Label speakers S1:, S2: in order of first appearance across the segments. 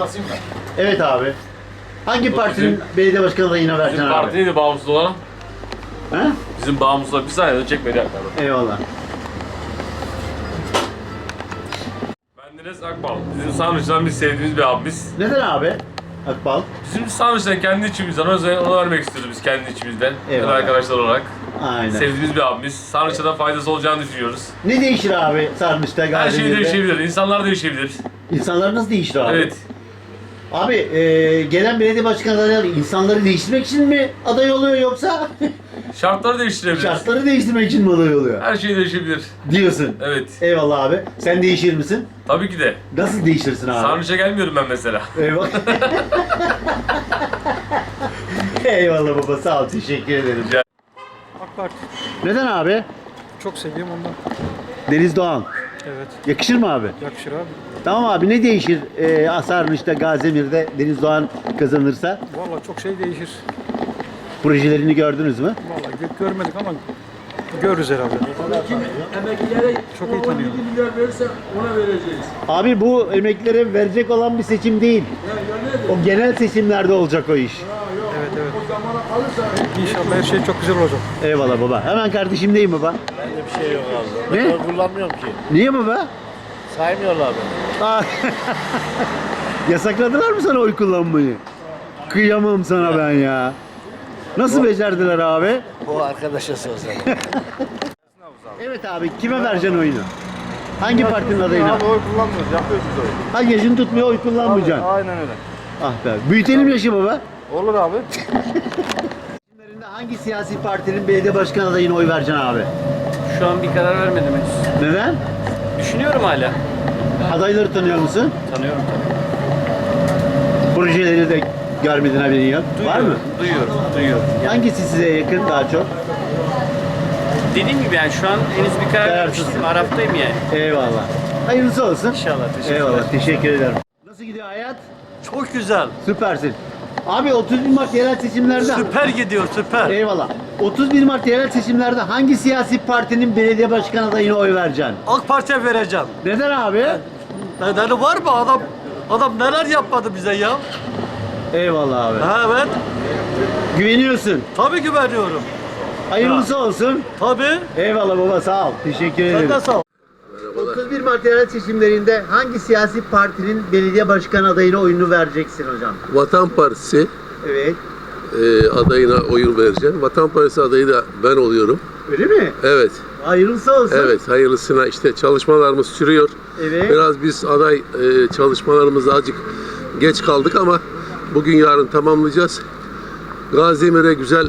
S1: basayım mı?
S2: Evet abi. Hangi partinin belediye başkanı adayına vereceksin
S3: Bizim
S2: abi?
S3: parti neydi bağımsız olan?
S2: He?
S3: Bizim bağımsız olan bir saniye de çekmedi yakaladı.
S2: Eyvallah.
S3: Bendeniz Akbal. Bizim Sarnıç'tan biz sevdiğimiz bir abimiz.
S2: Neden abi? Akbal.
S3: Bizim Sarnıç'tan kendi içimizden ona vermek istiyoruz biz kendi içimizden.
S2: Eyvallah.
S3: Arkadaşlar olarak.
S2: Aynen.
S3: Sevdiğimiz bir abimiz. Sarnıç'a da faydası olacağını düşünüyoruz.
S2: Ne değişir abi Sarnıç'ta,
S3: Her şey
S2: Gaziantep'te?
S3: değişebilir. İnsanlar değişebilir.
S2: İnsanlar nasıl değişti abi?
S3: Evet.
S2: Abi gelen belediye başkanı adayları insanları değiştirmek için mi aday oluyor yoksa
S3: Şartları değiştirebilir.
S2: şartları değiştirmek için mi aday oluyor?
S3: Her şey değişebilir.
S2: Diyorsun.
S3: Evet.
S2: Eyvallah abi. Sen değişir misin?
S3: Tabii ki de.
S2: Nasıl değişirsin abi?
S3: Sarnıç'a gelmiyorum ben mesela.
S2: Eyvallah. Eyvallah baba, sağ ol, teşekkür ederim.
S3: Rica-
S4: AK Parti.
S2: Neden abi?
S4: Çok seviyorum ondan.
S2: Deniz Doğan.
S4: Evet.
S2: Yakışır mı abi?
S4: Yakışır abi.
S2: Tamam abi, ne değişir Sarnıç'ta, Gaziemir'de Deniz Doğan kazanırsa?
S4: Vallahi çok şey değişir.
S2: Projelerini gördünüz mü?
S4: Vallahi görmedik ama görürüz herhalde.
S1: Emeklilere
S4: Çok iyi tanıyor.
S1: 17 milyar verirse ona vereceğiz.
S2: Abi bu emeklilere verecek olan bir seçim değil. O genel seçimlerde olacak o iş.
S4: Evet evet.
S1: O zamana kalırsa
S4: İnşallah her şey çok güzel olacak.
S2: Eyvallah baba. Hemen kardeşimdeyim baba.
S5: Bende bir şey yok abi.
S2: Ne?
S5: Ben kullanmıyorum ki.
S2: Niye baba?
S5: Saymıyorlar beni.
S2: Aa, yasakladılar mı sana oy kullanmayı? Kıyamam sana ben ya. Nasıl becerdiler abi?
S5: Bu arkadaşa sorsan.
S2: Evet abi, kime vereceksin oyunu? Hangi partinin adayına?
S6: Abi oy kullanmıyoruz, yapıyoruz biz oy.
S2: Ha, yaşın tutmuyor, oy kullanmayacaksın.
S6: Aynen öyle.
S2: Ah be. Büyütelim yaşı baba.
S6: Olur abi.
S2: Seçimlerinde hangi siyasi partinin belediye başkan adayına oy vereceksin abi?
S7: Şu an bir karar vermedim henüz.
S2: Neden?
S7: Düşünüyorum hala.
S2: Adayları tanıyor musun?
S7: Tanıyorum tabii.
S2: Projeleri de görmedin, haberin yok. Var mı?
S7: Duyuyorum.
S2: Hangisi size yakın daha çok?
S7: Dediğim gibi yani şu an henüz bir karar
S2: Kararsızsın.
S7: vermiştim. Araftayım yani.
S2: Eyvallah. Hayırlısı olsun.
S7: İnşallah. Teşekkürler.
S2: Eyvallah. Teşekkür ederim. Nasıl gidiyor hayat?
S8: Çok güzel.
S2: Süpersin. Abi 31 Mart yerel seçimlerde...
S8: Süper gidiyor, süper.
S2: Eyvallah. 31 Mart yerel seçimlerde hangi siyasi partinin belediye başkan adayına oy vereceksin?
S8: AK Parti'ye vereceğim.
S2: Neden abi?
S8: Nedeni var mı? Adam neler yapmadı bize ya?
S2: Eyvallah abi.
S8: Ha, evet.
S2: Güveniyorsun.
S8: Tabii güveniyorum.
S2: Hayırlısı olsun.
S8: Tabii.
S2: Eyvallah baba, sağ ol. Teşekkür
S8: Sen
S2: ederim.
S8: de sağ ol.
S2: 31 Mart yerel seçimlerinde hangi siyasi partinin belediye başkan adayına oyunu vereceksin hocam?
S9: Vatan Partisi
S2: Evet.
S9: adayına oyun vereceğim. Vatan Partisi adayı da ben oluyorum.
S2: Öyle mi?
S9: Evet,
S2: Hayırlısı olsun.
S9: evet. Hayırlısına işte çalışmalarımız sürüyor.
S2: Evet.
S9: Biraz biz aday çalışmalarımızda azıcık geç kaldık ama bugün yarın tamamlayacağız. Gaziemir'e güzel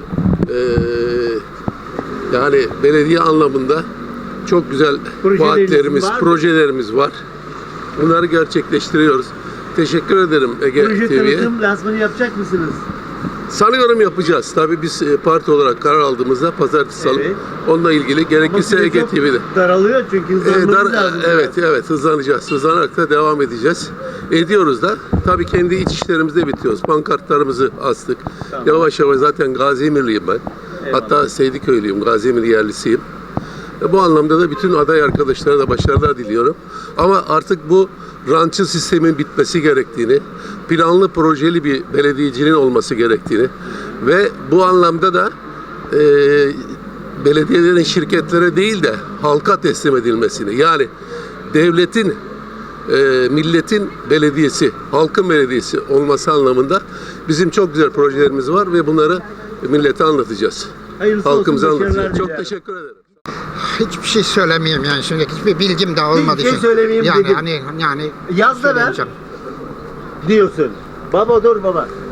S9: yani belediye anlamında çok güzel
S2: Projeleriniz
S9: vaatlerimiz,
S2: var mı?
S9: projelerimiz var. Bunları gerçekleştiriyoruz. Teşekkür ederim Ege
S2: Proje
S9: TV'ye.
S2: tanıtım lansmanı yapacak mısınız?
S9: Sanıyorum yapacağız. Tabii biz parti olarak karar aldığımızda pazartesi salı
S2: Evet.
S9: onunla ilgili gerekirse
S2: süre
S9: Ege
S2: çok
S9: TV'de.
S2: daralıyor çünkü hızlanmanız lazım.
S9: Evet hızlanacağız. Hızlanarak da devam edeceğiz. Ediyoruz da. Tabii kendi iç işlerimizde bitiyoruz. Pankartlarımızı astık.
S2: Tamam.
S9: Yavaş yavaş zaten Gaziemirliyim ben. Hatta Seydiköylüyüm. Gaziemirl yerlisiyim. Bu anlamda da bütün aday arkadaşlara da başarılar diliyorum. Ama artık bu rantçı sistemin bitmesi gerektiğini, planlı projeli bir belediyecinin olması gerektiğini ve bu anlamda da belediyelerin şirketlere değil de halka teslim edilmesini, yani devletin, milletin belediyesi, halkın belediyesi olması anlamında bizim çok güzel projelerimiz var ve bunları millete anlatacağız.
S2: Hayırlısı olsun,
S9: Halkımıza
S2: başarılar
S9: anlatacağız. Çok
S2: dilerim.
S9: teşekkür ederim.
S10: Hiçbir şey söylemeyeyim yani şimdi hiçbir bilgim de olmadığı
S2: şey
S10: için.
S2: söylemeyeyim
S10: yani
S2: dedim.
S10: yani
S2: Yaz da ver
S10: söylemeyeceğim.
S2: diyorsun. Baba dur baba.